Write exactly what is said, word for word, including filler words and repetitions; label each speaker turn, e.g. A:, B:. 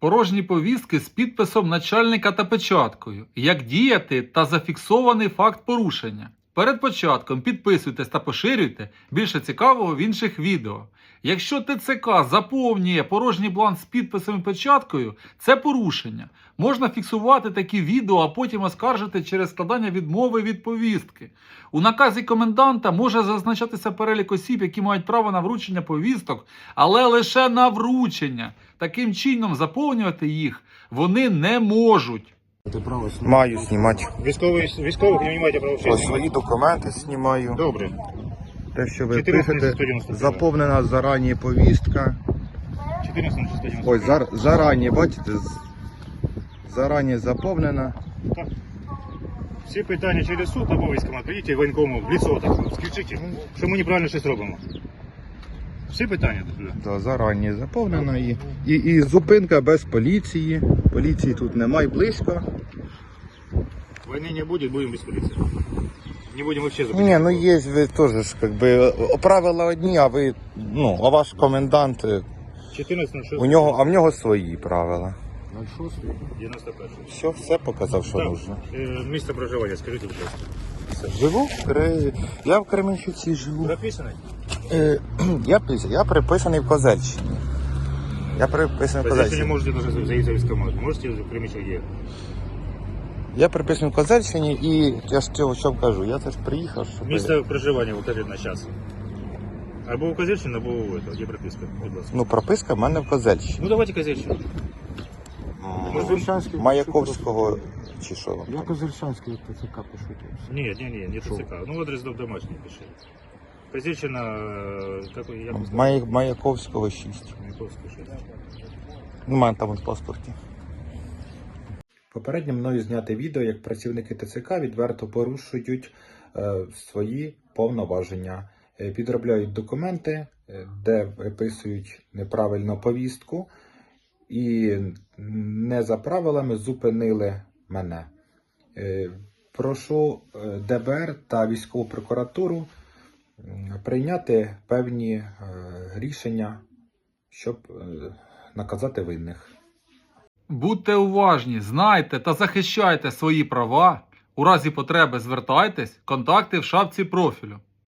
A: порожні повістки з підписом начальника та печаткою. Як діяти та зафіксований факт порушення. Перед початком підписуйтесь та поширюйте, більше цікавого в інших відео. Якщо ТЦК заповнює порожній бланк з підписом і печаткою, це порушення. Можна фіксувати такі відео, а потім оскаржити через складання відмови від повістки. У наказі коменданта може зазначатися перелік осіб, які мають право на вручення повісток, але лише на вручення. Таким чином заповнювати їх вони не можуть.
B: Маю знімати.
C: Військових, військових не маєте права
B: Ось
C: вчити.
B: свої документи знімаю.
C: Добре.
B: Те, що ви
C: чотирнадцять
B: пишете,
C: сто дев'яносто два.
B: заповнена зарані повістка.
C: чотирнадцять сто дев'яносто.
B: Ось зар, зарані, бачите, з- зарані заповнена.
C: Так. Всі питання через суд або військкомат. Прийдіть воєнкому в лицо так, скажіть, що ми неправильно щось робимо. Всі питання туди.
B: Да, зарані заповнена і, і, і зупинка без поліції. Поліції тут немає близько.
C: Війни не буде, будемо без поліції. Не будемо взагалі зупиняти.
B: Ні, ну є, ви теж ж, как би, правила одні, а ви, ну, а ваш комендант, е,
C: чотирнадцять ноль шість.
B: у нього, а в нього свої правила.
C: ноль шість дев'яносто один.
B: Все, все показав, що
C: Так.
B: нужно.
C: Е, Місце проживання, скажіть, будь ласка.
B: Живу в Кре... Я в Кременчуці живу.
C: Прописаний?
B: Е, я, пис- я приписаний в Козельщині. Я приписаний в
C: Позицію не
B: Козельщині.
C: можете даже заїздити в військкомат. Можете в Кремічок є.
B: Я приписаний в Козельщині і я ж цього що кажу, я теж приїхав, щоб...
C: Місце проживання укажіть на час. Або у Козельщині, або у этого, де прописка, будь ласка.
B: Ну, прописка в мене в Козельщині.
C: Ну давайте Козельщину.
B: М, Маяковського чи що?
D: Я Козельшанський ТЦК пишу.
C: Ні, ні, ні, не ТЦК. Ну адрес дом домашний пиши. Козельщина, э, какой, я бы сказал,
B: Мая... Маяковського шість.
C: Маяковский шесть.
B: Ну, у мене там в паспорті. Попередньо мною зняте відео, як працівники ТЦК відверто порушують е, свої повноваження. Е, підробляють документи, е, де виписують неправильно повістку і не за правилами зупинили мене. Е, прошу е, ДБР та військову прокуратуру м, прийняти певні е, рішення, щоб е, наказати винних.
A: Будьте уважні, знайте та захищайте свої права. У разі потреби звертайтесь, контакти в шапці профілю.